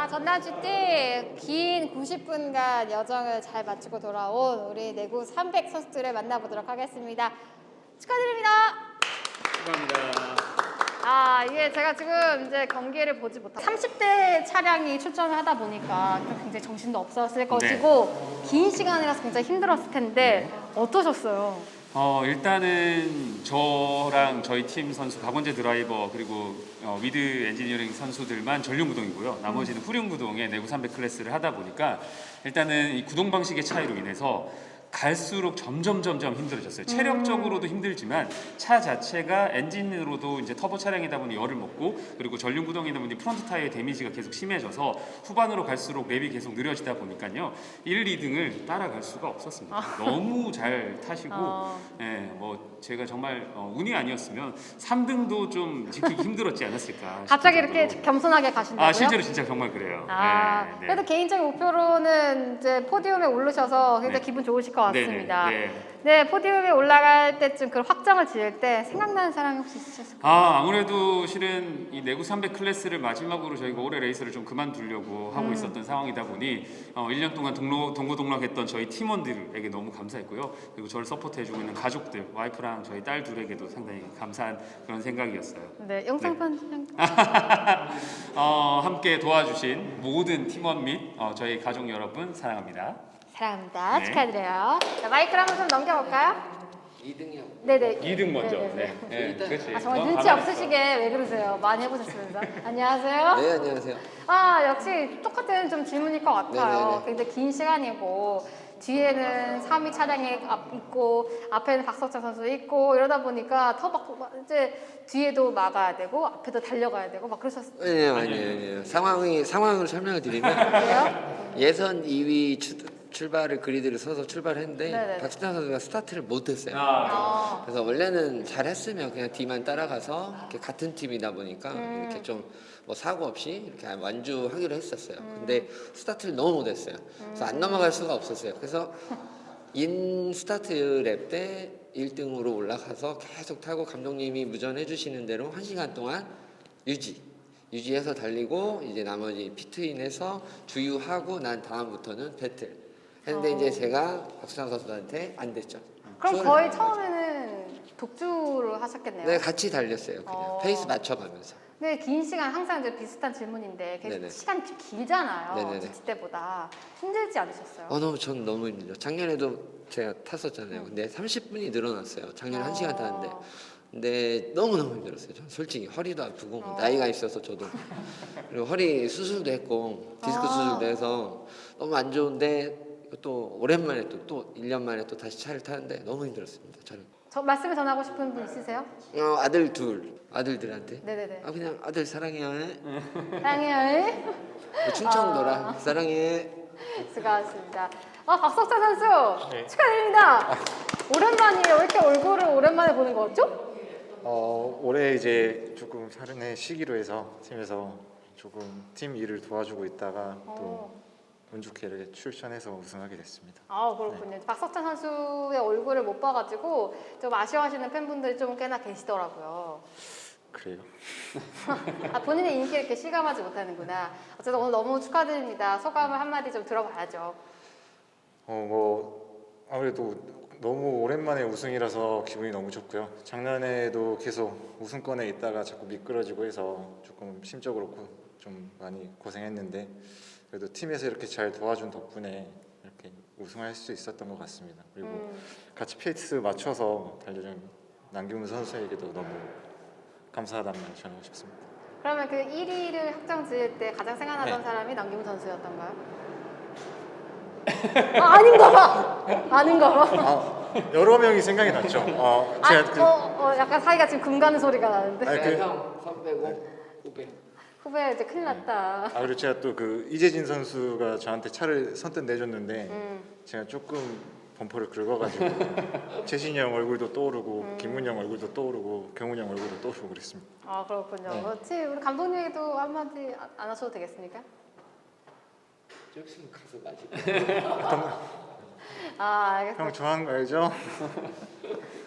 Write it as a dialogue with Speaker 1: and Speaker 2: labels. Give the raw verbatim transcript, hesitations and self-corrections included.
Speaker 1: 전남주 띠긴 구십 분간 여정을 잘 마치고 돌아온 우리 내구 삼백 선수들을 만나보도록 하겠습니다. 축하드립니다.
Speaker 2: 축하합니다.
Speaker 1: 아, 이게 제가 지금 이제 경기를 보지 못하고 삼십 대 차량이 출전을 하다 보니까 굉장히 정신도 없었을 것이고 긴 시간이라서 굉장히 힘들었을 텐데 어떠셨어요?
Speaker 2: 어, 일단은 저랑 저희 팀 선수 박원재 드라이버 그리고 어, 위드 엔지니어링 선수들만 전륜 구동이고요. 나머지는 후륜 구동의 내구 삼백 클래스를 하다 보니까 일단은 이 구동 방식의 차이로 인해서 갈수록 점점 점점 힘들어졌어요. 체력적으로도 힘들지만 차 자체가 엔진으로도 이제 터보 차량이다 보니 열을 먹고 그리고 전륜 구동이다 보니 프론트 타이어의 데미지가 계속 심해져서 후반으로 갈수록 랩이 계속 느려지다 보니까요. 일, 이 등을 따라갈 수가 없었습니다.
Speaker 1: 아.
Speaker 2: 너무 잘 타시고
Speaker 1: 아.
Speaker 2: 예, 뭐 제가 정말 어, 운이 아니었으면 삼 등도 좀 지키기 힘들었지 않았을까.
Speaker 1: 갑자기
Speaker 2: 싶을
Speaker 1: 이렇게
Speaker 2: 정도로.
Speaker 1: 겸손하게 가신다고요?
Speaker 2: 아 실제로 진짜 정말 그래요.
Speaker 1: 아,
Speaker 2: 네, 네.
Speaker 1: 그래도 개인적인 목표로는 이제 포디움에 오르셔서 굉장히
Speaker 2: 네.
Speaker 1: 기분 좋으실 것 같습니다.
Speaker 2: 네, 네.
Speaker 1: 네, 포디움에 올라갈 때쯤 그 확정을 지을 때 생각나는 사람이 혹시 있으셨을까요?
Speaker 2: 아 아무래도 실은 이 내구 삼백 클래스를 마지막으로 저희가 올해 레이스를 좀 그만두려고 하고
Speaker 1: 음.
Speaker 2: 있었던 상황이다 보니 어, 일 년 동안 동로, 동고동락했던 저희 팀원들에게 너무 감사했고요. 그리고 저를 서포트해주고 있는 가족들, 와이프랑 저희 딸 둘에게도 상당히 감사한 그런 생각이었어요.
Speaker 1: 네, 영상 편지.
Speaker 2: 어, 함께 도와주신 모든 팀원 및 어, 저희 가족 여러분 사랑합니다.
Speaker 1: 사랑합니다.
Speaker 2: 네.
Speaker 1: 축하드려요. 자, 마이크를 한번 좀 넘겨볼까요?
Speaker 3: 이 등이요.
Speaker 1: 네네.
Speaker 2: 이 등 먼저.
Speaker 1: 네네네.
Speaker 2: 네, 네, 그렇지.
Speaker 1: 아, 정말
Speaker 2: 너
Speaker 1: 눈치
Speaker 2: 가만히 있어.
Speaker 1: 없으시게 왜 그러세요? 많이 해보셨으면서. 안녕하세요.
Speaker 3: 네, 안녕하세요.
Speaker 1: 아, 역시 똑같은 좀 질문일 것 같아요.
Speaker 3: 네네네.
Speaker 1: 굉장히 긴 시간이고 뒤에는 삼 위 차량이 앞 있고 앞에는 박석찬 선수 있고 이러다 보니까 더 막 이제 뒤에도 막아야 되고 앞에도 달려가야 되고 막 그러셨어요.
Speaker 3: 아니에요, 아니에요, 아니에요. 상황이 상황을 설명을 드리면
Speaker 1: 그래요?
Speaker 3: 예선 이 위 출, 출발을 그리드를 서서 출발했는데
Speaker 1: 네네네.
Speaker 3: 박수찬 선수가 스타트를 못했어요.
Speaker 2: 아,
Speaker 1: 아,
Speaker 3: 그래서 원래는 잘했으면 그냥 뒤만 따라가서 이렇게 같은 팀이다 보니까
Speaker 1: 음.
Speaker 3: 이렇게 좀 뭐 사고 없이 이렇게 완주하기로 했었어요.
Speaker 1: 음.
Speaker 3: 근데 스타트를 너무 못했어요. 그래서 안 넘어갈 수가 없었어요. 그래서 인 스타트 랩 때 일 등으로 올라가서 계속 타고 감독님이 무전해 주시는 대로 한 시간 동안 유지 유지해서 달리고 이제 나머지 피트인해서 주유하고 난 다음부터는 배틀 했는데
Speaker 1: 어.
Speaker 3: 이제 제가 박수찬 선수한테 안 됐죠.
Speaker 1: 그럼
Speaker 3: 수월을
Speaker 1: 거의
Speaker 3: 안 하죠.
Speaker 1: 처음에는 독주를 하셨겠네요.
Speaker 3: 네, 같이 달렸어요. 그냥
Speaker 1: 어.
Speaker 3: 페이스 맞춰가면서.
Speaker 1: 근데 긴 시간 항상 이제 비슷한 질문인데 계속
Speaker 3: 네네.
Speaker 1: 시간이 좀 길잖아요.
Speaker 3: 네네네.
Speaker 1: 지치 때보다 힘들지 않으셨어요?
Speaker 3: 어, 너무 전 너무 힘들죠. 작년에도 제가 탔었잖아요. 근데 삼십 분이 늘어났어요. 작년 한 시간 타는데. 근데 너무 너무 힘들었어요. 전 솔직히 허리도 아프고
Speaker 1: 어.
Speaker 3: 나이가 있어서 저도 그리고 허리 수술도 했고 디스크
Speaker 1: 아.
Speaker 3: 수술도 해서 너무 안 좋은데 또 오랜만에 또 또 일 년 만에 또 다시 차를 타는데 너무 힘들었습니다. 저는
Speaker 1: 저 말씀을 전하고 싶은 분 있으세요?
Speaker 3: 어, 아들 둘 아들들한테
Speaker 1: 네네네.
Speaker 3: 아 그냥 아들 사랑해요.
Speaker 1: 사랑해요.
Speaker 3: 뭐 충청도라
Speaker 1: 아.
Speaker 3: 사랑해.
Speaker 1: 수고하셨습니다. 아, 박석찬 선수
Speaker 4: 네.
Speaker 1: 축하드립니다. 오랜만이에요. 왜 이렇게 얼굴을 오랜만에 보는 거죠?
Speaker 4: 어, 올해 이제 조금 사른의 시기로 해서 팀에서 조금 팀 일을 도와주고 있다가 또
Speaker 1: 어.
Speaker 4: 운 좋게 이렇게 출전해서 우승하게 됐습니다.
Speaker 1: 아, 그렇군요. 박석찬 선수의 얼굴을 못 봐가지고 좀 아쉬워하시는 팬분들이 좀 꽤나 계시더라고요.
Speaker 4: 그래요.
Speaker 1: 아, 본인의 인기를 이렇게 실감하지 못하는구나. 어쨌든 오늘 너무 축하드립니다. 소감을 한마디 좀 들어봐야죠.
Speaker 4: 어, 뭐 아무래도 너무 오랜만에 우승이라서 기분이 너무 좋고요. 작년에도 계속 우승권에 있다가 자꾸 미끄러지고 해서 조금 심적으로 고, 좀 많이 고생했는데 그래도 팀에서 이렇게 잘 도와준 덕분에 이렇게 우승할 수 있었던 것 같습니다. 그리고
Speaker 1: 음.
Speaker 4: 같이 페이스 맞춰서 달려준 남규문 선수에게도 너무 감사하다는 말 전하고 싶습니다.
Speaker 1: 그러면 그 일 위를 확정 지을 때 가장 생각나던
Speaker 4: 네.
Speaker 1: 사람이 남김 선수였던가요? 아, 아닌가 봐. 아닌가 봐.
Speaker 4: 아, 여러 명이 생각이 났죠. 어,
Speaker 1: 아,
Speaker 4: 제가 그,
Speaker 1: 어, 어, 약간 사이가 지금 금 가는 소리가 나는데.
Speaker 4: 아니, 그-
Speaker 3: 네, 형 선배고 후배.
Speaker 1: 후배 이제 큰일 났다.
Speaker 4: 아 그리고 제가 또 그 이재진 선수가 저한테 차를 선뜻 내줬는데
Speaker 1: 음.
Speaker 4: 제가 조금 범퍼를 긁어가지고 재신이 형 얼굴도 떠오르고
Speaker 1: 음.
Speaker 4: 김문희 형 얼굴도 떠오르고 경훈이 형 얼굴도 떠오르고 그랬습니다.
Speaker 1: 아, 그렇군요.
Speaker 4: 네.
Speaker 1: 그렇지. 우리 감독님에게도 한마디 안- 안 하셔도 되겠습니까?
Speaker 3: 조금 가서 마시.
Speaker 1: 아, 알겠습니다.
Speaker 4: 형 좋아하는 거 알죠?